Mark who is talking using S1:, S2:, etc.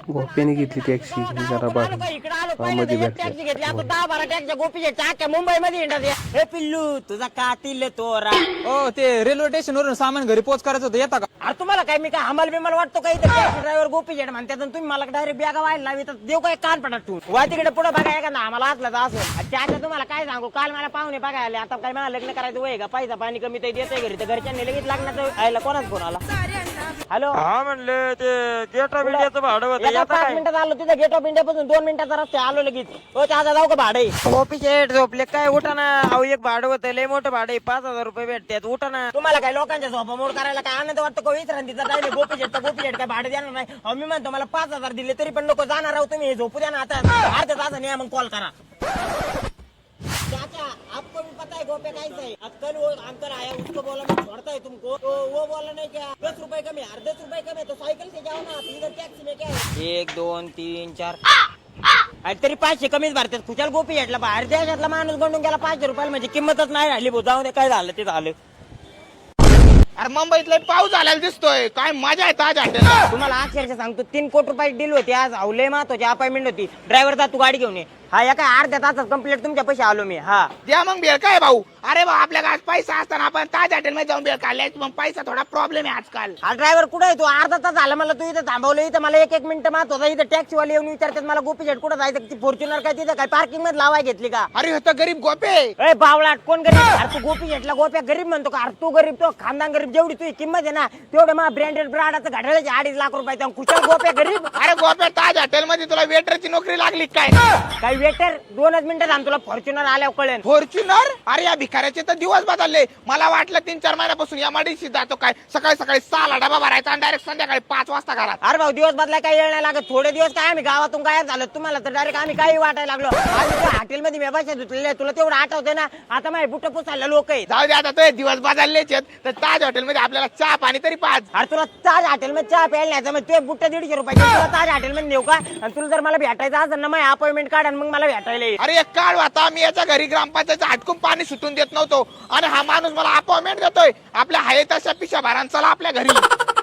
S1: गोप्याने घेतली टॅक्सी जरा मध्ये
S2: टॅक्सी घेतली आता 10-12 टॅक्सी गोपीच्या अख्ख्या मुंबईमध्ये हिंडत हे पिल्लू तुझा कातील तोरा.
S3: हो ते रेल्वे स्टेशन वरून सामान घरी पोच करायचं होतं, येता का?
S2: अरे तुम्हाला काय मी काय हमाल बिमाल वाटतो का इथं टॅक्सी ड्रायव्हर गोपीजेट म्हणतात आणि तुम्ही मला डायरेक्ट बॅगा व्हायला लावी तर देऊ काय कान पडत तू वा तिकडे पुढे बघा एखादा आम्हाला असलं तर असं त्याच्या तुम्हाला काय सांगू काल मला पाहुणे बघायला आले आता काय मला लग्न करायचं वय का पैसा पाणी कमी तर देते घरी तर घरच्यांनी लगेच लग्नाचं आयला कोणाच फोन आला. हॅलो
S4: हा म्हणले ते गेट ऑफ इंडियाचं भाडं होतं
S2: 5 मिनिटात आलो तिथं गेट ऑफ इंडिया पासून 2 मिनिटाचा रस्ता आलो लगेच. हो त्याचा जाऊ का भाडे
S4: गोपीशेठ झोपले काय उठा ना. अहो एक भाडं होतं लय मोठं भाडं 5,000 रुपये भेटतात उठा ना.
S2: तुम्हाला काय लोकांच्या झोपामोड करायला काय आनंद वाटतो का विश्रांतीचा काय गोपीजेट काय भाडे देणार नाही. अहो मी म्हणतो मला 5,000 दिले तरी पण नको जाणार आहो तुम्ही झोपू द्या ना आता अर्ध्या तासाने मग कॉल करा. चाचा आपको भी पता है गोपे कैसा है कल वो अंकल आया उसको बोला मैं छोड़ता है तुमको तो वो बोला नहीं क्या 10 रुपए कम है 10 रुपए कम है तो साइकिल से जाओ ना इधर टैक्सी में क्या है 1 2 3 4 तरी 500 कमीच भरतात खुशाल गोपी घेतला बाहेर देशातला माणूस बनून गेला 500 रुपयाला म्हणजे किंमतच नाही राहिली भाऊ जाऊ दे काय झालं ते झालं.
S5: अरे मुंबईत लय पाऊस झालेला दिसतोय काय मजा आहे ताज हॉटेलला.
S2: तुम्हाला अक्षरशः सांगतो 3 कोटी रुपये डील होती आज अवलय महत्वाची अपॉइंटमेंट होती ड्रायव्हर जा तू गाडी घेऊन ये. हा या काय अर्ध्या तासात कंप्लीट तुमच्या पैसे आलो मी. हा
S5: द्या मग बेळ काय भाऊ. अरे भाऊ आपल्याला आज पैसा असताना आपण ताज हॉटेल मध्ये जाऊन बेळ काढलाय मग पैसा थोडा प्रॉब्लेम आहे आजकाल.
S2: हा ड्रायव्हर कुठे आहे तू अर्धा तास झाला मला तू इथं थांबवलं इथं मला 1 मिनिट मात होता इथं टॅक्सीवाले येऊन विचारतात मला गोपीजेट कुठं जायचं ती फॉर्च्युनर काय तिथं काय पार्किंग मध्ये लावाय घेतली का.
S5: अरे होता गरीब गोपे.
S2: ए बावळाट कोण गरीब अरे तू गोपीजेटला गोप्या गरीब म्हणतो का अरे तू गरीब तो खानदान गरीब जेवढी तुझी किंमत आहे ना तेवढं मग ब्रँडेड ब्राडाचं घड्याळाचे 2.5 लाख रुपये कुशल गोप्या गरीब.
S5: अरे गोपे ताज हॉटेल मध्ये तुला वेटरची नोकरी लागली काय.
S2: काही वेटर 2 मिनिटं थांब तुला फॉर्च्युनर आल्यावर कळेल.
S5: फॉर्च्युनर अरे या भिकाऱ्याचे तर दिवस बदलले. मला वाटलं 3-4 महिन्यापासून या मडीशी जातो काय सकाळी 6ला डबा भरायचा आणि डायरेक्ट संध्याकाळी 5 वाजता घरात.
S2: अरे भाऊ दिवस बदलाय काही येळ नाही लागत थोडे दिवस काय आम्ही गावातून काय झालं तुम्हाला तर डायरेक्ट आम्ही काही वाटायला लागलो. हॉटेलमध्ये मी बसायला धुतलेले तुला तेवढं आठवतंय ना आता माझे बुट पुसायला लोक आहेत.
S5: जाऊ दे आता तो दिवस बदललेच आहेत तर ताज हॉटेल मध्ये आपल्याला चहा पाणी तरी पाच.
S2: अरे तुला ताज हॉटेलमध्ये चहा प्यायला नाही मग तुझे बुट्ट 150 रुपये तुला ताज हॉटेलमध्ये नेऊ का आणि तुला जर मला भेटायचं असेल ना मग अपॉइंटमेंट काढ आणि मग मला भेटायला ये.
S5: अरे एक काळ आता मी याच्या घरी ग्रामपंचायतचं हटकून पाणी सुटून देत नव्हतो आणि हा माणूस मला अपॉइंटमेंट देतोय आपल्या हाय तशा पिशा भारांचा आपल्या घरी.